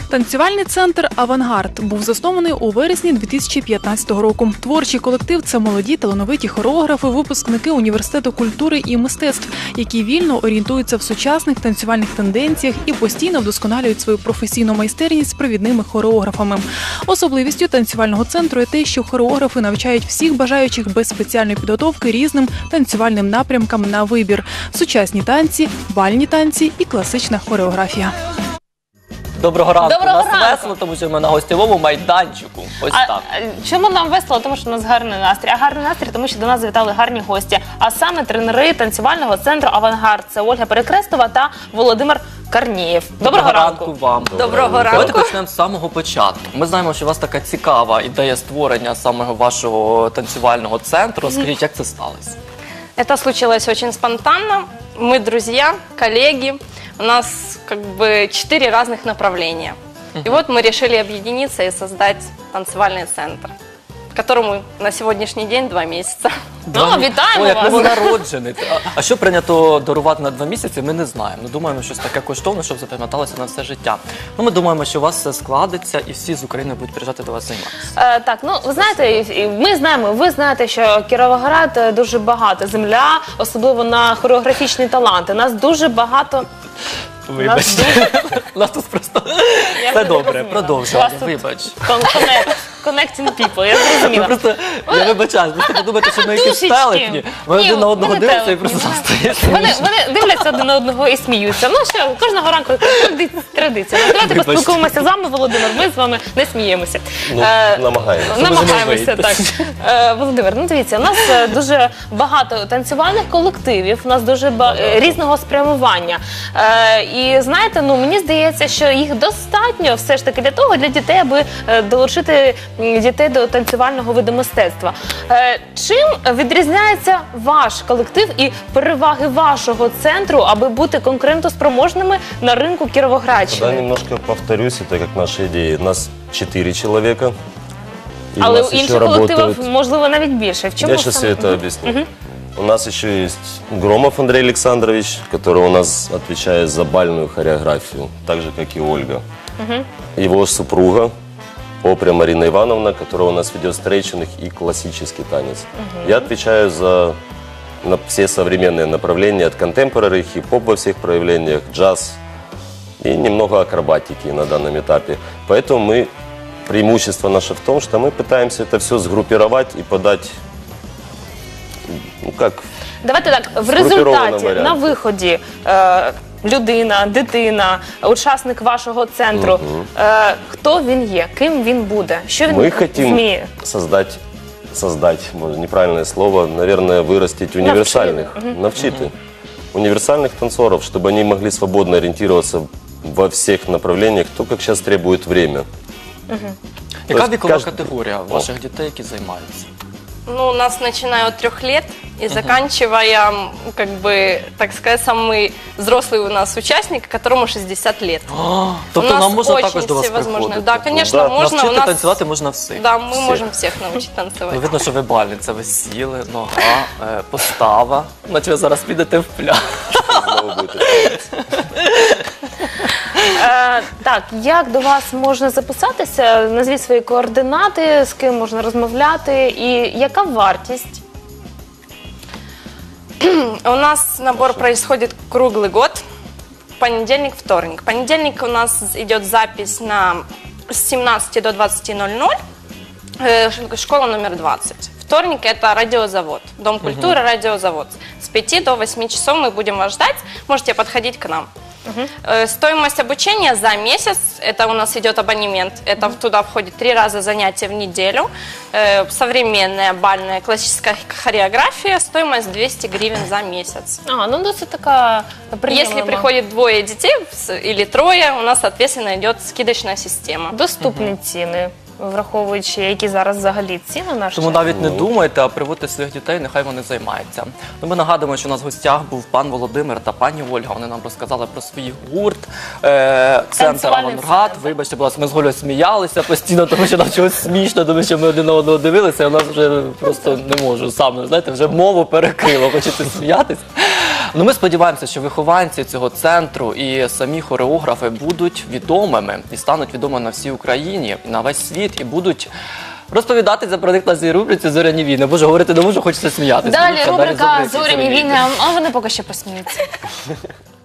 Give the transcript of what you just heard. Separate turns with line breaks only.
Танцювальний центр «Авангард» був заснований у вересні 2015 року. Творчий колектив – це молоді талановиті хореографи, випускники Університету культури і мистецтв, які вільно орієнтуються в сучасних танцювальних тенденціях і постійно вдосконалюють свою професійну майстерність з провідними хореографами. Особливістю танцювального центру є те, що хореографи навчають всіх бажаючих без спеціальної підготовки різним танцювальним напрямкам на вибір – сучасні танці, бальні танці і класична хореографія.
Доброго ранку.
Доброго
У нас
ранку.
весело, тому що ми на гостєвому майданчику. Ось так.
Чому нам весело? Тому що у нас гарний настрій. А гарний настрій, тому що до нас завітали гарні гості. А саме тренери танцювального центру «Авангард». Це Ольга Перекрестова та Володимир Карнієв. Доброго ранку
вам.
Доброго ранку.
Давайте почнемо з самого початку. Ми знаємо, що у вас така цікава ідея створення самого вашого танцювального центру. Скажіть, як це сталося?
Это случилось очень спонтанно. Мы друзья, коллеги. У нас как бы 4 разных направления. И вот мы решили объединиться и создать танцевальный центр, которому на сегодняшний день 2 месяца.
Вітаємо
О, як
вас.
новонароджений. А що прийнято дарувати на 2 місяці, ми не знаємо. Ми думаємо, щось таке коштовне, щоб запам'яталося на все життя. Ми думаємо, що у вас все складеться і всі з України будуть приїжджати до вас займатися.
Так, ну ви знаєте, ми знаємо, ви знаєте, що Кіровоград дуже багата земля, особливо на хореографічні таланти. Нас дуже багато.
Вибачте. У нас тут просто все добре, продовжуємо. Вибач.
Connecting people, я зрозуміла.
Просто, я вибачаю, ви подумаєте, що ми якісь
Трішечки.
телепні. Ми один на одного
ми не
дивимося і
телепні.
просто стає
Вони дивляться один на одного і сміються. Ну що, кожного ранку традиція. Ну, давайте
Вибачте.
поспілкуємося з вами, Володимир, ми з вами не сміємося.
Ну, намагаємося.
Намагаємося,
вийти.
так. Володимир, ну дивіться, у нас дуже багато танцювальних колективів, у нас дуже різного спрямування. І знаєте, ну мені здається, що їх достатньо все ж таки для дітей, аби долучити дітей до танцювального виду мистецтва. Чим відрізняється ваш колектив і переваги вашого центру, аби бути конкурентоспроможними на ринку Кіровоградщини?
Да, немножко повторюсь, это как наша идея. Нас 4 человека. И
Але
у нас
у інших
еще
колективів,
работают...
можливо, навіть більше. В чому
Я сейчас
саме?
все это объясню. У нас еще есть Громов Андрей Александрович, который у нас отвечает за бальную хореографию, так же, как и Ольга. Его супруга Опря Марина Ивановна, которая у нас ведет стрейчинг и классический танец. Я отвечаю за все современные направления, от контемпорари, хип-хоп во всех проявлениях, джаз и немного акробатики на данном этапе. Поэтому преимущество наше в том, что мы пытаемся это все сгруппировать и подать, ну как...
Давайте так, в
Згруппірованому
результаті,
варіанті.
на виході, людина, дитина, учасник вашого центру, хто він є, ким він буде, що він
Мы хотим
вміє?
создать, может, неправильное слово, наверное, вырастить универсальных, навчити универсальных танцоров, чтобы они могли свободно ориентироваться во всех направлениях, то, как сейчас требует время.
Яка
Тобто
вікова
кожен-
категорія ваших дітей, які займаються?
Ну, у нас начиная от 3 лет и заканчивая, как бы, так сказать, самый взрослый у нас участник, которому 60 лет.
Тобто
У нас
нам можна
очень
також до вас
всевозможные.
приходити?
Да, конечно,
Да.
можно. У
Навчити
нас...
танцювати можна всіх.
Да, мы
Всех.
можем всех научить танцевать.
Ну, видно, що ви бальниця, ви сіли, нога, постава. Наче ви зараз підете в пляж.
Снова будет это.
Так, як до вас можна записатися? Назвіть свої координати, з ким можна розмовляти і яка вартість?
У нас набор происходит круглый год. Понедельник, вторник. Понедельник у нас идет запись с 17 до 20:00. Школа номер 20. Вторник это радиозавод. Дом культуры, радиозавод. С 5 до 8 часов мы будем вас ждать. Можете подходить к нам. Стоимость обучения за месяц, это у нас идет абонемент, это туда входит 3 раза занятия в неделю, современная бальная классическая хореография, стоимость 200 гривен за месяц.
Ну досить така приємна.
Если приходит 2 детей или 3, у нас, соответственно, идет скидочная система.
Доступні ціни, враховуючи, які зараз взагалі ціни наші.
Тому навіть не думайте, а приводьте своїх дітей, нехай вони займаються. Ну, ми нагадуємо, що у нас в гостях був пан Володимир та пані Ольга. Вони нам розказали про свій гурт, центр «Авангард». Вибачте, будь ласка, ми з Олею сміялися постійно, тому що нам чогось смішно, тому що ми один на одного дивилися, і у нас вже просто не можу сам, знаєте, вже мову перекрило, хочеться сміятися. Ну, ми сподіваємося, що вихованці цього центру і самі хореографи будуть відомими і стануть відомими на всій Україні, і на весь світ, і будуть розповідати про них на цій рубриці «Зоряні війни». Боже, говорити не можу, хочеться сміятися.
Далі рубрика «Зоряні війни», а вони поки що посміються.